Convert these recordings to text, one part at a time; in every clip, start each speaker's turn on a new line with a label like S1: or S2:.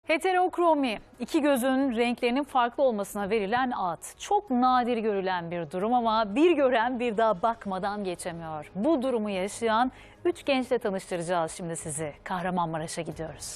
S1: Heterokromi, iki gözün renklerinin farklı olmasına verilen ad. Çok nadir görülen bir durum ama bir gören bir daha bakmadan geçemiyor. Bu durumu yaşayan 3 gençle tanıştıracağız şimdi sizi. Kahramanmaraş'a gidiyoruz.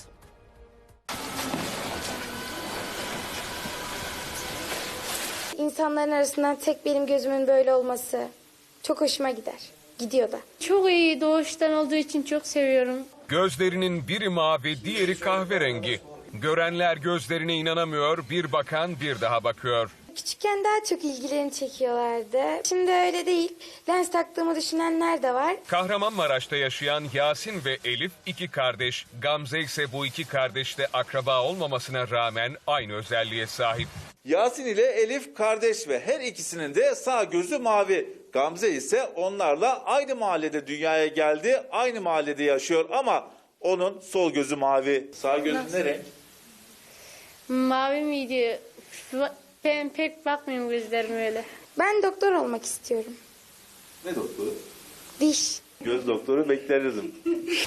S2: İnsanların arasından tek benim gözümün böyle olması çok hoşuma gider. Gidiyor da.
S3: Çok iyi, doğuştan olduğu için çok seviyorum.
S4: Gözlerinin biri mavi, diğeri kahverengi. Görenler gözlerine inanamıyor, bir bakan bir daha bakıyor.
S2: Küçükken daha çok ilgilerini çekiyorlardı. Şimdi öyle değil. Lens taktığımı düşünenler de var.
S4: Kahramanmaraş'ta yaşayan Yasin ve Elif iki kardeş. Gamze ise bu iki kardeşle akraba olmamasına rağmen aynı özelliğe sahip.
S5: Yasin ile Elif kardeş ve her ikisinin de sağ gözü mavi. Gamze ise onlarla aynı mahallede dünyaya geldi, aynı mahallede yaşıyor ama onun sol gözü mavi. Sağ gözü ne renk?
S3: Mavi miydi? Ben pek bakmıyorum gözlerime öyle.
S2: Ben doktor olmak istiyorum.
S5: Ne doktoru?
S2: Diş.
S5: Göz doktoru beklerirdim.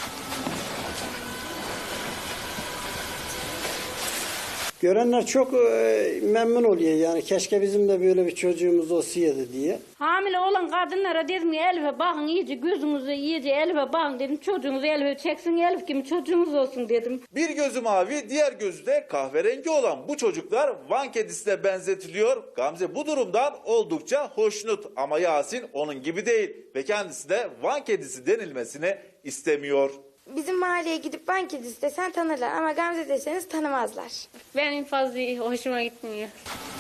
S6: Görenler çok memnun oluyor yani keşke bizim de böyle bir çocuğumuz olsaydı diye.
S7: Hamile olan kadınlara dedim Elif'e bakın iyice gözünüzü iyice Elif'e bakın dedim. Çocuğunuzu Elif'e çeksin Elif gibi çocuğunuz olsun dedim.
S5: Bir gözü mavi, diğer gözü de kahverengi olan bu çocuklar Van kedisine benzetiliyor. Gamze bu durumdan oldukça hoşnut ama Yasin onun gibi değil ve kendisi de Van kedisi denilmesini istemiyor.
S2: Bizim mahalleye gidip Van kedisi desen tanırlar ama Gamze deseniz tanımazlar.
S3: Benim fazla hoşuma gitmiyor.